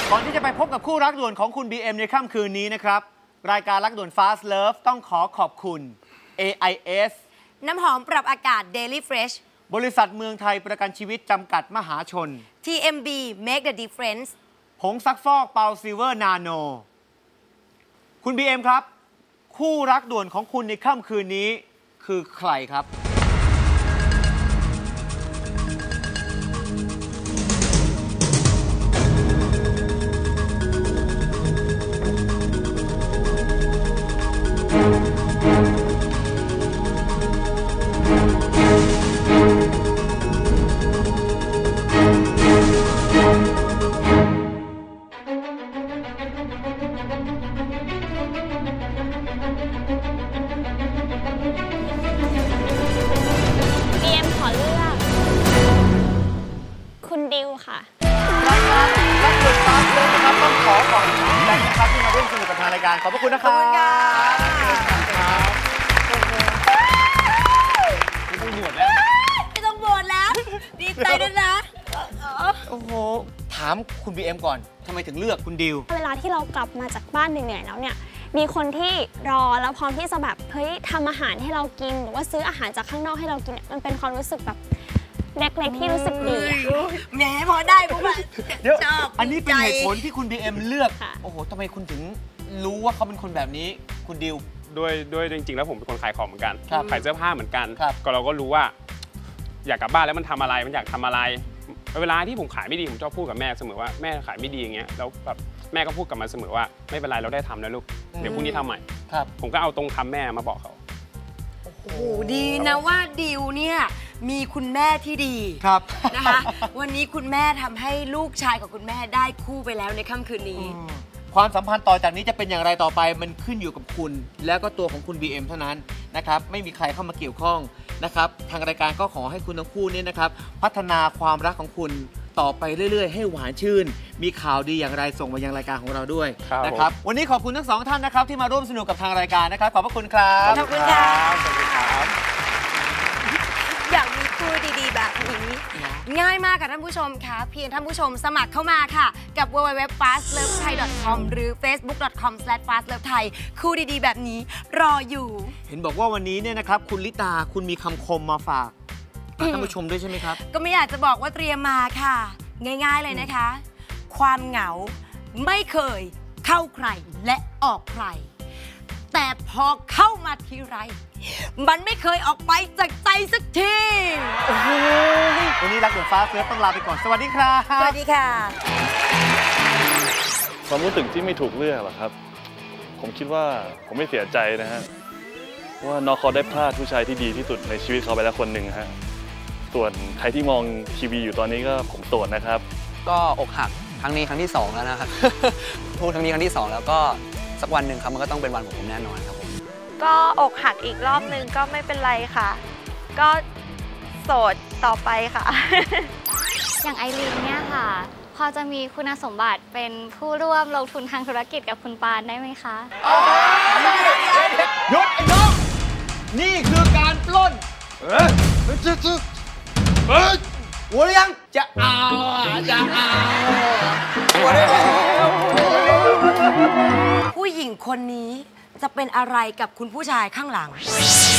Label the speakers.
Speaker 1: ก่อนที่จะไปพบกับคู่รักด่วนของคุณ BM ในค่ำคืนนี้นะครับรายการรักด่วน Fast Love ต้องขอขอบคุณ AIS
Speaker 2: น้ำหอมปรับอากาศ Daily Fresh
Speaker 1: บริษัทเมืองไทยประกันชีวิตจำกัดมหาชน
Speaker 2: TMB Make the Difference
Speaker 1: ผงซักฟอกเปาซิลเวอร์นาโนคุณ BM ครับคู่รักด่วนของคุณในค่ำคืนนี้คือใครครับ
Speaker 3: ดิวค่ะ
Speaker 1: รายการรักด่วนFast Loveนะครับต้องขอขอบคุณแบงค์นะครับที่มาร่วมสนุกกับทางรายการขอบพระคุณนะครับไม่ต้องบวชแล้ว
Speaker 2: ไม่ต้องบวชแล้วดีใจด้วยนะ
Speaker 1: โอ้โหถามคุณ BM ก่อนทำไมถึงเลือกคุณดิว
Speaker 3: เวลาที่เรากลับมาจากบ้านเหนื่อยๆแล้วเนี่ยมีคนที่รอแล้วพร้อมที่จะแบบเฮ้ยทำอาหารให้เรากินหรือว่าซื้ออาหารจากข้างนอกให้เรากินเนี่ยมันเป็นความรู้สึกแบบเล็กๆที่รู้สึกดี
Speaker 2: แหมพอได้ปุ๊บ
Speaker 1: ชอบอันนี้เป็นเหตุผลที่คุณ BM เลือกโอ้โหทำไมคุณถึงรู้ว่าเขาเป็นคนแบบนี้คุณดิว
Speaker 4: ด้วยจริงๆแล้วผมเป็นคนขายของเหมือนกันขายเสื้อผ้าเหมือนกันก็เราก็รู้ว่าอยากกลับบ้านแล้วมันทำอะไรมันอยากทำอะไรเวลาที่ผมขายไม่ดีผมชอบพูดกับแม่เสมอว่าแม่ขายไม่ดีอย่างเงี้ยแล้วแบบแม่ก็พูดกับมาเสมอว่าไม่เป็นไรเราได้ทำแล้วลูกเดี๋ยวพรุ่งนี้ทำใหม่ผมก็เอาตรงคำแม่มาบอกเขา
Speaker 2: โอ้โหดีนะว่าดิวเนี่ยมีคุณแม่ที่ดีนะคะวันนี้คุณแม่ทำให้ลูกชายกับคุณแม่ได้คู่ไปแล้วในค่ำคืนนี้
Speaker 1: ความสัมพันธ์ต่อจากนี้จะเป็นอย่างไรต่อไปมันขึ้นอยู่กับคุณแล้วก็ตัวของคุณ BM เท่านั้นนะครับไม่มีใครเข้ามาเกี่ยวข้องนะครับทางรายการก็ขอให้คุณทั้งคู่นี่นะครับพัฒนาความรักของคุณต่อไปเรื่อยๆให้หวานชื่นมีข่าวดีอย่างไรส่งมายังรายการของเราด้วยนะครับวันนี้ขอบคุณทั้งสองท่านนะครับที่มาร่วมสนุกกับทางรายการนะครับขอบพระคุณครับ
Speaker 2: ขอบคุณครับ
Speaker 1: สวัสดีครับ
Speaker 2: อยากมีคู่ดีๆแบบนี้ง่ายมากค่ะท่านผู้ชมค่ะเพียงท่านผู้ชมสมัครเข้ามาค่ะกับ www.fastlovethai.com หรือ facebook.com/fastlovethai คู่ดีๆแบบนี้รออยู่
Speaker 1: เห็นบอกว่าวันนี้เนี่ยนะครับคุณลิตาคุณมีคำคมมาฝากท่านผู้ชมด้วยใช่ไหมครับ
Speaker 2: ก็ไม่อยากจะบอกว่าเตรียมมาค่ะง่ายๆเลยนะคะความเหงาไม่เคยเข้าใครและออกใครแต่พอเข้ามาทีไรมันไม่เคยออกไปจากใจสักที
Speaker 1: โอ้โหวันนี้รักด่วนFast Loveต้องลาไปก่อนสวัสดีครับ
Speaker 2: สวัสดีค่ะ
Speaker 5: ความรู้สึกที่ไม่ถูกเลือกหรอครับผมคิดว่าผมไม่เสียใจนะฮะว่าน้องเขาได้พลาดผู้ชายที่ดีที่สุดในชีวิตเขาไปแล้วคนหนึ่งฮะส่วนใครที่มองทีวีอยู่ตอนนี้ก็ผมโสดนะครับ
Speaker 6: ก็อกหักครั้งนี้ครั้งที่2แล้วนะครับพูดครั้งนี้ครั้งที่2แล้วก็สักวันหนึ่งครับมันก็ต้องเป็นวันของผมแน่นอนครับผม
Speaker 7: ก็อกหักอีกรอบนึงก็ไม่เป็นไรค่ะก็โสดต่อไปค่ะ
Speaker 3: อย่างไอรีนเนี่ยค่ะพอจะมีคุณสมบัติเป็นผู้ร่วมลงทุนทางธุรกิจกับคุณปานได้ไหมคะ
Speaker 1: หยุดไอ้น้องนี่คือการปล้นหัวยังจะเอา
Speaker 2: ผู้หญิงคนนี้จะเป็นอะไรกับคุณผู้ชายข้างหลัง